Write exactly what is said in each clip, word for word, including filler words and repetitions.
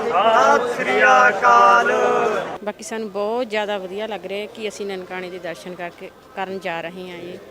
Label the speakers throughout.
Speaker 1: ਸਤਿ ਸ੍ਰੀ ਅਕਾਲ।
Speaker 2: ਬਾਕੀ ਸਾਨੂੰ ਬਹੁਤ ਜ਼ਿਆਦਾ ਵਧੀਆ ਲੱਗ ਰਿਹਾ ਕਿ ਅਸੀਂ ਨਨਕਾਣੇ ਦੇ ਦਰਸ਼ਨ ਕਰਕੇ ਕਰਨ ਜਾ ਰਹੇ ਹਾਂ ਜੀ।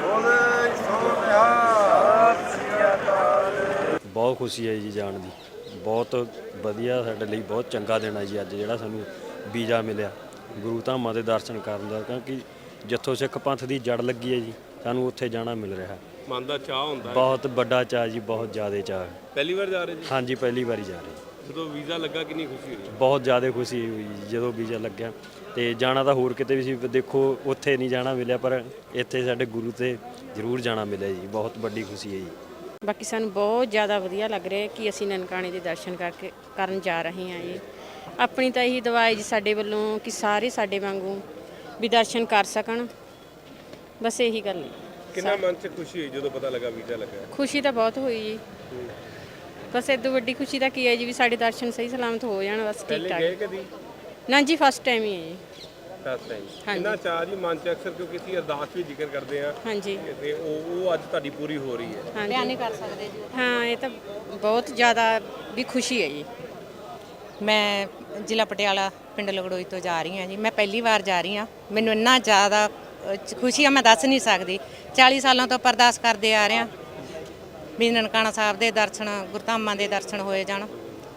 Speaker 3: ਬਹੁਤ ਖੁਸ਼ੀ ਹੈ ਜੀ ਜਾਣ ਦੀ, ਬਹੁਤ ਵਧੀਆ, ਸਾਡੇ ਲਈ ਬਹੁਤ ਚੰਗਾ ਦਿਨ ਹੈ ਜੀ ਅੱਜ ਜਿਹੜਾ ਸਾਨੂੰ ਵੀਜ਼ਾ ਮਿਲਿਆ ਗੁਰੂ ਧਾਮਾਂ ਦੇ ਦਰਸ਼ਨ ਕਰਨ ਦਾ, ਕਿਉਂਕਿ ਜਿੱਥੋਂ ਸਿੱਖ ਪੰਥ ਦੀ ਜੜ ਲੱਗੀ ਹੈ ਜੀ ਸਾਨੂੰ ਉੱਥੇ ਜਾਣਾ ਮਿਲ ਰਿਹਾ।
Speaker 4: ਮਨ ਦਾ ਚਾਹ ਹੁੰਦਾ,
Speaker 3: ਬਹੁਤ ਵੱਡਾ ਚਾਅ ਜੀ, ਬਹੁਤ ਜ਼ਿਆਦਾ ਚਾਅ।
Speaker 4: ਪਹਿਲੀ ਵਾਰ ਜਾ ਰਹੇ ਜੀ?
Speaker 3: ਹਾਂਜੀ, ਪਹਿਲੀ ਵਾਰੀ ਜਾ ਰਹੇ।
Speaker 4: ਜਦੋਂ ਵੀਜ਼ਾ ਲੱਗਾ ਕਿੰਨੀ ਖੁਸ਼ੀ ਹੋਈ?
Speaker 3: ਬਹੁਤ ਜ਼ਿਆਦਾ ਖੁਸ਼ੀ ਹੋਈ ਜੀ ਜਦੋਂ ਵੀਜ਼ਾ ਲੱਗਿਆ। ਤੇ ਜਾਣਾ ਤਾਂ ਹੋਰ ਕਿਤੇ ਵੀ ਸੀ, ਦੇਖੋ ਉੱਥੇ ਨਹੀਂ ਜਾਣਾ ਮਿਲਿਆ, ਪਰ ਇੱਥੇ ਸਾਡੇ ਗੁਰੂ ਤੇ ਜ਼ਰੂਰ ਜਾਣਾ ਮਿਲਿਆ ਜੀ, ਬਹੁਤ ਵੱਡੀ ਖੁਸ਼ੀ ਹੈ ਜੀ।
Speaker 2: ਬਾਕੀ ਸਾਨੂੰ ਬਹੁਤ ਜ਼ਿਆਦਾ ਵਧੀਆ ਲੱਗ ਰਿਹਾ ਕਿ ਅਸੀਂ ਨਨਕਾਣੇ ਦੇ ਦਰਸ਼ਨ ਕਰਕੇ ਕਰਨ ਜਾ ਰਹੇ ਹਾਂ ਜੀ। ਆਪਣੀ ਤਾਂ ਇਹੀ ਦੁਆ ਹੈ ਜੀ ਸਾਡੇ ਵੱਲੋਂ ਕਿ ਸਾਰੇ ਸਾਡੇ ਵਾਂਗੂ ਵੀ ਦਰਸ਼ਨ ਕਰ ਸਕਣ, ਬਸ ਇਹੀ ਗੱਲ ਹੈ।
Speaker 4: ਕਿੰਨਾ ਮਨ 'ਚ ਖੁਸ਼ੀ ਹੋਈ ਜਦੋਂ ਪਤਾ ਲੱਗਾ ਵੀਜ਼ਾ ਲੱਗਾ?
Speaker 2: ਖੁਸ਼ੀ ਤਾਂ ਬਹੁਤ ਹੋਈ ਜੀ, ਬਸ ਇਦੋਂ ਵੱਡੀ ਖੁਸ਼ੀ ਤਾਂ ਕੀ ਹੈ ਜੀ ਵੀ ਸਾਡੇ ਦਰਸ਼ਨ ਸਹੀ ਸਲਾਮਤ ਹੋ ਜਾਣ, ਬਸ ਠੀਕ
Speaker 4: ਪਹਿਲੇ
Speaker 2: ਠਾਕ।
Speaker 4: ਗਏ ਕਦੀ?
Speaker 2: ਨਾ ਜੀ, ਫਸਟ ਟਾਈਮ ਹੀ ਹੈ ਜੀ।
Speaker 4: First time.
Speaker 2: ਹਾਂਜੀ।
Speaker 4: ਕਿੰਨਾ ਚਾਹ ਜੀ ਮਨ 'ਚ, ਅਕਸਰ ਕਿਉਂਕਿ ਅਸੀਂ ਅਰਦਾਸ ਵੀ ਜ਼ਿਕਰ ਕਰਦੇ ਹਾਂ
Speaker 2: ਹਾਂਜੀ,
Speaker 4: ਤੇ ਉਹ ਉਹ ਅੱਜ ਤੁਹਾਡੀ ਪੂਰੀ ਹੋ ਰਹੀ ਹੈ।
Speaker 2: ਬਿਆਨ ਨਹੀਂ ਕਰ ਸਕਦੇ ਜੀ। ਹਾਂ, ਇਹ ਤਾਂ ਬਹੁਤ ਜ਼ਿਆਦਾ ਵੀ ਖੁਸ਼ੀ ਹੈ ਜੀ।
Speaker 5: ਮੈਂ ਜ਼ਿਲ੍ਹਾ ਪਟਿਆਲਾ ਪਿੰਡ ਲਗੜੋਈ ਤੋਂ ਜਾ ਰਹੀ ਹਾਂ ਜੀ। ਮੈਂ ਪਹਿਲੀ ਵਾਰ ਜਾ ਰਹੀ ਹਾਂ, ਮੈਨੂੰ ਇੰਨਾ ਜ਼ਿਆਦਾ ਖੁਸ਼ੀ ਆ ਮੈਂ ਦੱਸ ਨਹੀਂ ਸਕਦੀ। ਚਾਲੀ ਸਾਲਾਂ ਤੋਂ ਅਰਦਾਸ ਕਰਦੇ ਆ ਰਹੇ ਹਾਂ ਵੀ ਨਨਕਾਣਾ ਸਾਹਿਬ ਦੇ ਦਰਸ਼ਨ, ਗੁਰਧਾਮਾਂ ਦੇ ਦਰਸ਼ਨ ਹੋਏ ਜਾਣ,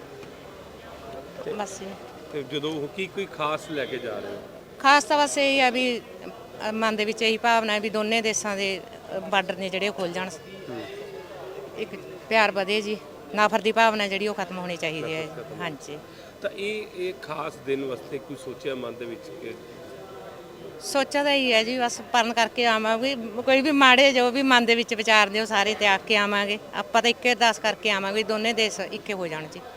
Speaker 5: ਬਸ।
Speaker 4: ਤੇ ਜਦੋਂ ਕੀ ਕੋਈ ਖਾਸ ਲੈ ਕੇ ਜਾ ਰਹੇ ਹੋ?
Speaker 5: ਖਾਸ ਤਾਂ ਬਸ ਇਹ ਆ ਵੀ ਮਨ ਦੇ ਵਿੱਚ ਇਹੀ ਭਾਵਨਾ ਹੈ ਵੀ ਦੋਨੇ ਦੇਸ਼ਾਂ ਦੇ ਬਾਰਡਰ ਨੇ ਜਿਹੜੇ ਉਹ ਖੁੱਲ੍ਹ ਜਾਣ, ਇੱਕ ਪਿਆਰ ਵਧੇ ਜੀ, ਨਫ਼ਰਤ ਦੀ ਭਾਵਨਾ ਜਿਹੜੀ ਉਹ ਖਤਮ ਹੋਣੀ ਚਾਹੀਦੀ ਹੈ। ਹਾਂਜੀ,
Speaker 4: ਤਾਂ ਇਹ ਇਹ ਖਾਸ ਦਿਨ ਵਾਸਤੇ ਕੋਈ ਸੋਚਿਆ ਮਨ ਦੇ ਵਿੱਚ ਕਿ
Speaker 5: ਸੋਚਿਆ ਤਾਂ ਹੀ ਹੈ ਜੀ, ਬਸ ਪਰਨ ਕਰਕੇ ਆਵਾਂਗੇ। ਕੋਈ ਵੀ ਮਾੜੇ ਜੋ ਵੀ ਮਨ ਦੇ ਵਿੱਚ ਵਿਚਾਰਦੇ ਉਹ ਸਾਰੇ ਤਿਆਗ ਕੇ ਆਵਾਂਗੇ। ਆਪਾਂ ਤਾਂ ਇੱਕੇ ਅਰਦਾਸ ਕਰਕੇ ਆਵਾਂਗੇ, ਦੋਨੇ ਦੇਸ਼ ਇੱਕੇ ਹੋ ਜਾਣ ਜੀ।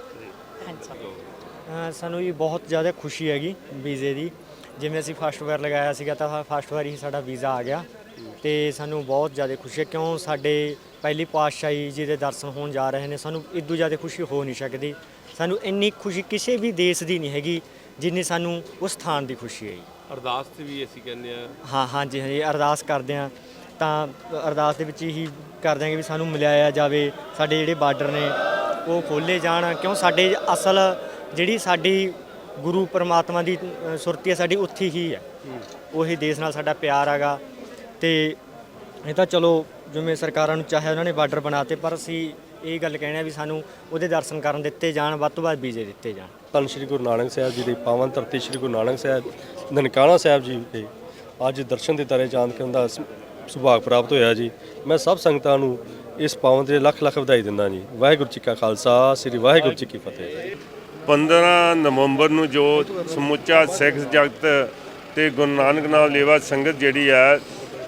Speaker 5: ਹਾਂਜੀ,
Speaker 1: ਸਾਨੂੰ ਜੀ ਬਹੁਤ ਜ਼ਿਆਦਾ ਖੁਸ਼ੀ ਹੈਗੀ ਵੀਜ਼ੇ ਦੀ। ਜਿਵੇਂ ਅਸੀਂ ਫਸਟ ਵਾਰ ਲਗਾਇਆ ਸੀਗਾ ਤਾਂ ਫਸਟ ਵਾਰ ਹੀ ਸਾਡਾ ਵੀਜ਼ਾ ਆ ਗਿਆ ਤੇ ਸਾਨੂੰ ਬਹੁਤ ਜ਼ਿਆਦਾ ਖੁਸ਼ੀ ਹੈ, ਕਿਉਂ ਸਾਡੇ ਪਹਿਲੀ ਪਾਤਸ਼ਾਹੀ ਜੀ ਦੇ ਦਰਸ਼ਨ ਹੋਣ ਜਾ ਰਹੇ ਨੇ। ਸਾਨੂੰ ਇਦੋਂ ਜ਼ਿਆਦਾ ਖੁਸ਼ੀ ਹੋ ਨਹੀਂ ਸਕਦੀ। ਸਾਨੂੰ ਇੰਨੀ ਖੁਸ਼ੀ ਕਿਸੇ ਵੀ ਦੇਸ਼ ਦੀ ਨਹੀਂ ਹੈਗੀ ਜਿੰਨੀ ਸਾਨੂੰ ਉਸ ਸਥਾਨ ਦੀ ਖੁਸ਼ੀ ਹੈ ਜੀ।
Speaker 4: ਅਰਦਾਸ 'ਤੇ ਵੀ ਅਸੀਂ ਕਹਿੰਦੇ ਹਾਂ।
Speaker 1: ਹਾਂ ਹਾਂਜੀ ਹਾਂਜੀ, ਅਰਦਾਸ ਕਰਦੇ ਹਾਂ ਤਾਂ ਅਰਦਾਸ ਦੇ ਵਿੱਚ ਹੀ ਕਰਦੇ ਹਾਂ ਕਿ ਵੀ ਸਾਨੂੰ ਮਿਲਾਇਆ ਜਾਵੇ, ਸਾਡੇ ਜਿਹੜੇ ਬਾਰਡਰ ਨੇ ਉਹ ਖੋਲ੍ਹੇ ਜਾਣ, ਕਿਉਂ ਸਾਡੇ ਅਸਲ ਜਿਹੜੀ ਸਾਡੀ ਗੁਰੂ ਪਰਮਾਤਮਾ ਦੀ ਸੁਰਤੀ ਹੈ ਸਾਡੀ ਉੱਥੇ ਹੀ ਹੈ। ਉਹੀ ਦੇਸ਼ ਨਾਲ ਸਾਡਾ ਪਿਆਰ ਹੈਗਾ। ਤੇ ਇਹ ਤਾਂ ਚਲੋ ਜਿਵੇਂ ਸਰਕਾਰਾਂ ਨੂੰ ਚਾਹੇ ਉਹਨਾਂ ਨੇ ਬਾਰਡਰ ਬਣਾਤੇ, ਪਰ ਅਸੀਂ ਇਹ ਗੱਲ ਕਹਿਣਾ ਵੀ ਸਾਨੂੰ ਉਹਦੇ ਦਰਸ਼ਨ ਕਰਨ ਦਿੱਤੇ ਜਾਣ, ਵੱਧ ਤੋਂ ਵੱਧ ਵੀਜ਼ੇ ਦਿੱਤੇ ਜਾਣ।
Speaker 6: ਧੰਨ ਸ਼੍ਰੀ ਗੁਰੂ ਨਾਨਕ ਸਾਹਿਬ ਜੀ ਦੀ ਪਾਵਨ ਧਰਤੀ ਸ਼੍ਰੀ ਗੁਰੂ ਨਾਨਕ ਸਾਹਿਬ ਨਨਕਾਣਾ ਸਾਹਿਬ ਜੀ ਦੇ ਅੱਜ ਦਰਸ਼ਨ ਦੇ ਤਾਰੇ ਚਾਂਦ ਕਰਨ ਦਾ ਸੁਭਾਗ ਪ੍ਰਾਪਤ ਹੋਇਆ ਜੀ। ਮੈਂ ਸਭ ਸੰਗਤਾਂ ਨੂੰ ਇਸ ਪਾਵਨ ਦੇ ਲੱਖ ਲੱਖ ਵਧਾਈ ਦਿੰਦਾ ਜੀ। ਵਾਹਿਗੁਰੂ ਜੀ ਕਾ ਖਾਲਸਾ, ਸ੍ਰੀ ਵਾਹਿਗੁਰੂ ਜੀ ਕੀ ਫਤਿਹ।
Speaker 7: ਪੰਦਰਾਂ ਨਵੰਬਰ ਨੂੰ ਜੋ ਸਮੁੱਚਾ ਸਿੱਖ ਜਗਤ ਤੇ ਗੁਰੂ ਨਾਨਕ ਨਾਮ ਲੇਵਾ ਸੰਗਤ ਜਿਹੜੀ ਹੈ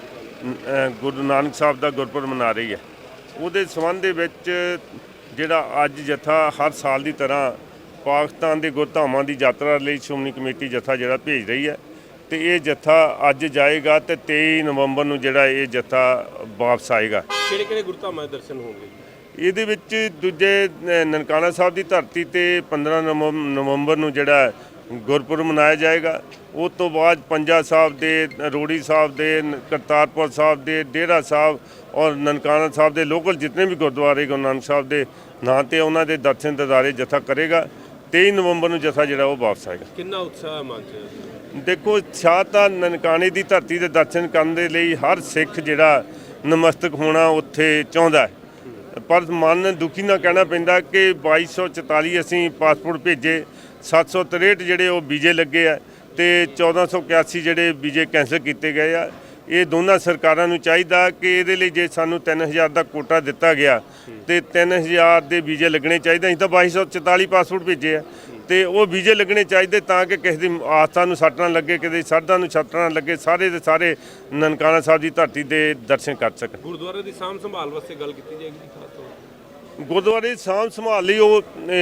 Speaker 7: ਗੁਰੂ ਨਾਨਕ ਸਾਹਿਬ ਦਾ ਗੁਰਪੁਰਬ ਮਨਾ ਰਹੀ ਹੈ, ਉਹਦੇ ਸੰਬੰਧ ਦੇ ਵਿੱਚ ਜਿਹੜਾ ਅੱਜ ਜਥਾ ਹਰ ਸਾਲ ਦੀ ਤਰ੍ਹਾਂ ਪਾਕਿਸਤਾਨ ਦੇ ਗੁਰਧਾਮਾਂ ਦੀ ਯਾਤਰਾ ਲਈ ਸ਼੍ਰੋਮਣੀ ਕਮੇਟੀ ਜਥਾ ਜਿਹੜਾ ਭੇਜ ਰਹੀ ਹੈ ਤੇ ਇਹ ਜਥਾ ਅੱਜ ਜਾਏਗਾ ਤੇ ਤੇਈ ਨਵੰਬਰ ਨੂੰ ਜਿਹੜਾ ਇਹ ਜਥਾ ਵਾਪਸ ਆਏਗਾ।
Speaker 4: ਕਿਹੜੇ ਕਿਹੜੇ ਗੁਰਧਾਮਾਂ ਦੇ ਦਰਸ਼ਨ ਹੋਣਗੇ?
Speaker 7: ਇਹਦੇ ਵਿੱਚ ਦੂਜੇ ਨਨਕਾਣਾ ਸਾਹਿਬ ਦੀ ਧਰਤੀ ਤੇ ਪੰਦਰਾਂ ਨਵੰਬਰ ਨੂੰ ਜਿਹੜਾ ਗੁਰਪੁਰਬ ਮਨਾਇਆ ਜਾਏਗਾ। ਉਸ ਤੋਂ ਬਾਅਦ ਪੰਜਾ ਸਾਹਿਬ ਦੇ, ਰੋੜੀ ਸਾਹਿਬ ਦੇ, ਕਰਤਾਰਪੁਰ ਸਾਹਿਬ ਦੇ, ਡੇਰਾ ਸਾਹਿਬ ਔਰ ਨਨਕਾਣਾ ਸਾਹਿਬ ਦੇ ਲੋਕਲ ਜਿਤਨੇ ਵੀ ਗੁਰਦੁਆਰੇ ਗੁਰੂ ਨਾਨਕ ਸਾਹਿਬ ਦੇ ਨਾਂ 'ਤੇ ਉਹਨਾਂ ਦੇ ਦਰਸ਼ਨ ਦਿਦਾਰੇ ਜਥਾ ਕਰੇਗਾ। ਤੇਈ ਨਵੰਬਰ ਨੂੰ ਜਥਾ ਜਿਹੜਾ ਉਹ ਵਾਪਸ ਆਏਗਾ।
Speaker 4: ਕਿੰਨਾ ਉਤਸ਼ਾਹ ਮਨ 'ਚ?
Speaker 7: ਦੇਖੋ, ਸ਼ਾਹ ਤਾਂ ਨਨਕਾਣੇ ਦੀ ਧਰਤੀ ਦੇ ਦਰਸ਼ਨ ਕਰਨ ਦੇ ਲਈ ਹਰ ਸਿੱਖ ਜਿਹੜਾ ਨਮਸਤਕ ਹੋਣਾ ਉੱਥੇ ਚਾਹੁੰਦਾ ਹੈ, ਪਰ ਮਨ ਦੁਖੀ ਨਾ ਕਹਿਣਾ ਪੈਂਦਾ ਕਿ ਬਾਈ ਸੌ ਚੁਤਾਲੀ ਅਸੀਂ ਪਾਸਪੋਰਟ ਭੇਜੇ, ਸੱਤ ਸੌ ਤਰੇਹਠ ਜਿਹੜੇ ਉਹ ਵੀਜ਼ੇ ਲੱਗੇ ਆ ਤੇ ਚੌਦਾਂ ਸੌ ਇਕਿਆਸੀ ਜਿਹੜੇ ਵੀਜ਼ੇ ਕੈਂਸਲ ਕੀਤੇ ਗਏ ਆ। ਇਹ ਦੋਨਾਂ ਸਰਕਾਰਾਂ ਨੂੰ ਚਾਹੀਦਾ ਕਿ ਇਹਦੇ ਲਈ ਜੇ ਸਾਨੂੰ ਤਿੰਨ ਹਜ਼ਾਰ ਦਾ ਕੋਟਾ ਦਿੱਤਾ ਗਿਆ ਤੇ ਤਿੰਨ ਹਜ਼ਾਰ ਦੇ ਵੀਜ਼ੇ ਲੱਗਣੇ ਚਾਹੀਦੇ। ਅਸੀਂ ਤਾਂ ਬਾਈ ਸੌ ਚੁਤਾਲੀ ਪਾਸਪੋਰਟ ਭੇਜੇ ਆ ਤੇ ਉਹ ਵੀਜ਼ੇ ਲੱਗਣੇ ਚਾਹੀਦੇ ਤਾਂ ਕਿ ਕਿਸੇ ਦੀ ਆਸਥਾ ਨੂੰ ਸੱਟ ਨਾ ਲੱਗੇ, ਕਿਸੇ ਦੀ ਸ਼ਰਧਾ ਨੂੰ ਸੱਟ ਨਾ ਲੱਗੇ, ਸਾਰੇ ਦੇ ਸਾਰੇ ਨਨਕਾਣਾ ਸਾਹਿਬ ਦੀ ਧਰਤੀ ਦੇ ਦਰਸ਼ਨ ਕਰ ਸਕਣ।
Speaker 4: ਗੁਰਦੁਆਰੇ ਦੀ ਸਾਂਭ ਸੰਭਾਲ ਵਾਸਤੇ ਗੱਲ ਕੀਤੀ ਜਾਏਗੀ ਜੀ ਖਾਸ ਤੌਰ ਤੇ?
Speaker 7: ਗੁਰਦੁਆਰੇ ਦੀ ਸਾਂਭ ਸੰਭਾਲ ਲਈ ਉਹ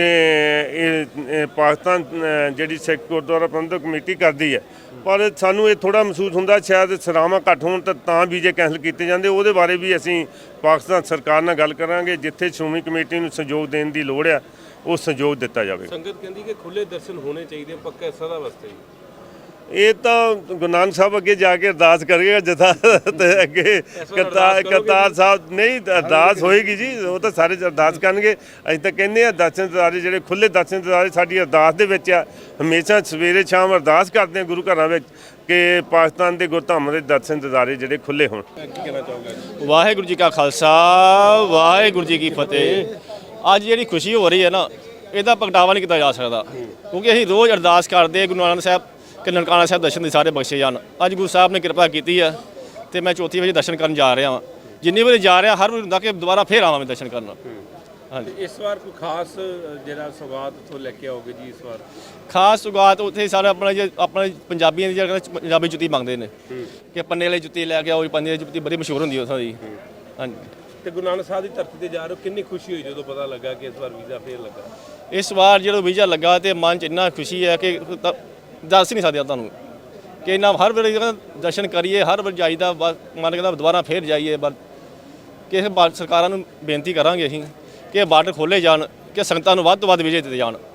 Speaker 7: ਪਾਕਿਸਤਾਨ ਜਿਹੜੀ ਸਿੱਖ ਗੁਰਦੁਆਰਾ ਪ੍ਰਬੰਧਕ ਕਮੇਟੀ ਕਰਦੀ ਹੈ, ਪਰ ਸਾਨੂੰ ਇਹ ਥੋੜ੍ਹਾ ਮਹਿਸੂਸ ਹੁੰਦਾ ਸ਼ਾਇਦ ਸਰਾਵਾਂ ਘੱਟ ਹੋਣ ਤਾਂ ਤਾਂ ਵੀਜ਼ੇ ਕੈਂਸਲ ਕੀਤੇ ਜਾਂਦੇ। ਉਹਦੇ ਬਾਰੇ ਵੀ ਅਸੀਂ ਪਾਕਿਸਤਾਨ ਸਰਕਾਰ ਨਾਲ ਗੱਲ ਕਰਾਂਗੇ, ਜਿੱਥੇ ਸ਼੍ਰੋਮਣੀ ਕਮੇਟੀ ਨੂੰ ਸਹਿਯੋਗ ਦੇਣ ਦੀ ਲੋੜ ਆ ਉਹ ਸਹਿਯੋਗ ਦਿੱਤਾ ਜਾਵੇ।
Speaker 4: ਸੰਗਤ ਕਹਿੰਦੀ ਕਿ ਖੁੱਲੇ ਦਰਸ਼ਨ ਹੋਣੇ ਚਾਹੀਦੇ ਪੱਕਾ ਸਦਾ ਵਾਸਤੇ।
Speaker 7: ਇਹ ਤਾਂ ਗੁਰੂ ਨਾਨਕ ਸਾਹਿਬ ਅੱਗੇ ਜਾ ਕੇ ਅਰਦਾਸ ਕਰੇਗਾ ਜਥਾ ਤੇ ਅੱਗੇ ਕਰਤਾਰ ਕਰਤਾਰ ਸਾਹਿਬ ਨਹੀਂ ਅਰਦਾਸ ਹੋਏਗੀ ਜੀ, ਉਹ ਤਾਂ ਸਾਰੇ ਅਰਦਾਸ ਕਰਨਗੇ। ਅਸੀਂ ਤਾਂ ਕਹਿੰਦੇ ਆ ਦਰਸ਼ਨ ਦਿਦਾਰੇ ਜਿਹੜੇ ਖੁੱਲੇ ਦਰਸ਼ਨ ਦਿਦਾਰੇ ਸਾਡੀ ਅਰਦਾਸ ਦੇ ਵਿੱਚ ਆ। ਹਮੇਸ਼ਾ ਸਵੇਰੇ ਸ਼ਾਮ ਅਰਦਾਸ ਕਰਦੇ ਆ ਗੁਰੂ ਘਰਾਂ ਵਿੱਚ ਕਿ ਪਾਕਿਸਤਾਨ ਦੇ ਗੁਰਧਾਮਾਂ ਦੇ ਦਰਸ਼ਨ ਦਿਦਾਰੇ ਜਿਹੜੇ ਖੁੱਲੇ ਹੋਣ।
Speaker 8: ਵਾਹਿਗੁਰੂ ਜੀ ਕਾ ਖਾਲਸਾ ਵਾਹਿਗੁਰੂ ਜੀ ਕੀ ਫਤਿਹ। ਅੱਜ ਜਿਹੜੀ ਖੁਸ਼ੀ ਹੋ ਰਹੀ ਹੈ ਨਾ, ਇਹਦਾ ਪ੍ਰਗਟਾਵਾ ਨਹੀਂ ਕੀਤਾ ਜਾ ਸਕਦਾ, ਕਿਉਂਕਿ ਅਸੀਂ ਰੋਜ਼ ਅਰਦਾਸ ਕਰਦੇ ਗੁਰੂ ਨਾਨਕ ਸਾਹਿਬ ਕਿ ਨਨਕਾਣਾ ਸਾਹਿਬ ਦਰਸ਼ਨ ਦੇ ਸਾਰੇ ਬਖਸ਼ੇ ਜਾਣ। ਅੱਜ ਗੁਰੂ ਸਾਹਿਬ ਨੇ ਕਿਰਪਾ ਕੀਤੀ ਹੈ ਤੇ ਮੈਂ ਚੌਥੀ ਵਾਰੀ ਦਰਸ਼ਨ ਕਰਨ ਜਾ ਰਿਹਾ ਹਾਂ। ਜਿੰਨੀ ਵਾਰੀ ਜਾ ਰਿਹਾ ਹਰ ਵਾਰੀ ਹੁੰਦਾ ਕਿ ਦੁਬਾਰਾ ਫੇਰ ਆਵਾਂ ਮੈਂ ਦਰਸ਼ਨ ਕਰਨ। ਹਾਂਜੀ,
Speaker 4: ਇਸ ਵਾਰ ਕੋਈ ਖਾਸ ਜਿਹੜਾ ਸਵਾਦ ਤੋਂ ਲੈ ਕੇ ਆਓਗੇ ਜੀ? ਇਸ ਵਾਰ
Speaker 8: ਖਾਸ ਸੁਗਾਤ ਉੱਥੇ ਸਾਰੇ ਆਪਣਾ ਜੇ ਆਪਣੇ ਪੰਜਾਬੀਆਂ ਦੀ ਜਗ੍ਹਾ ਪੰਜਾਬੀ ਜੁੱਤੀ ਮੰਗਦੇ ਨੇ ਕਿ ਪੰਨੇ ਵਾਲੀ ਜੁੱਤੀ ਲੈ ਕੇ ਆਓ। ਪੰਨੇ ਵਾਲੀ ਜੁੱਤੀ ਬੜੀ ਮਸ਼ਹੂਰ ਹੁੰਦੀ ਉੱਥੋਂ ਦੀ। ਹਾਂਜੀ,
Speaker 4: ਤੇ ਗੁਰੂ ਨਾਨਕ ਸਾਹਿਬ ਦੀ ਧਰਤੀ ਤੇ ਜਾ ਰਹੇ ਹੋ, ਕਿੰਨੀ ਖੁਸ਼ੀ ਹੋਈ ਜਦੋਂ ਪਤਾ ਲੱਗਾ ਕਿ ਇਸ ਵਾਰ ਵੀਜ਼ਾ ਫੇਰ ਲੱਗਾ?
Speaker 8: ਇਸ ਵਾਰ ਜਦੋਂ ਵੀਜ਼ਾ ਲੱਗਾ ਤੇ ਮਨ 'ਚ ਇੰਨਾ ਖੁਸ਼ੀ ਹੈ ਕਿ ਤਾਂ ਦੱਸ ਨਹੀਂ ਸਕਦੇ ਤੁਹਾਨੂੰ ਕਿ ਇੰਨਾ ਹਰ ਵੇਲੇ ਦਰਸ਼ਨ ਕਰੀਏ, ਹਰ ਵਾਰ ਜਾਈਦਾ। ਬਸ ਮਨ ਕਹਿੰਦਾ ਦੁਬਾਰਾ ਫੇਰ ਜਾਈਏ। ਬਸ ਕਿ ਸਰਕਾਰਾਂ ਨੂੰ ਬੇਨਤੀ ਕਰਾਂਗੇ ਅਸੀਂ ਕਿ ਬਾਰਡਰ ਖੋਲ੍ਹੇ ਜਾਣ, ਕਿ ਸੰਗਤਾਂ ਨੂੰ ਵੱਧ ਤੋਂ ਵੱਧ ਵੀਜ਼ੇ ਦਿੱਤੇ ਜਾਣ।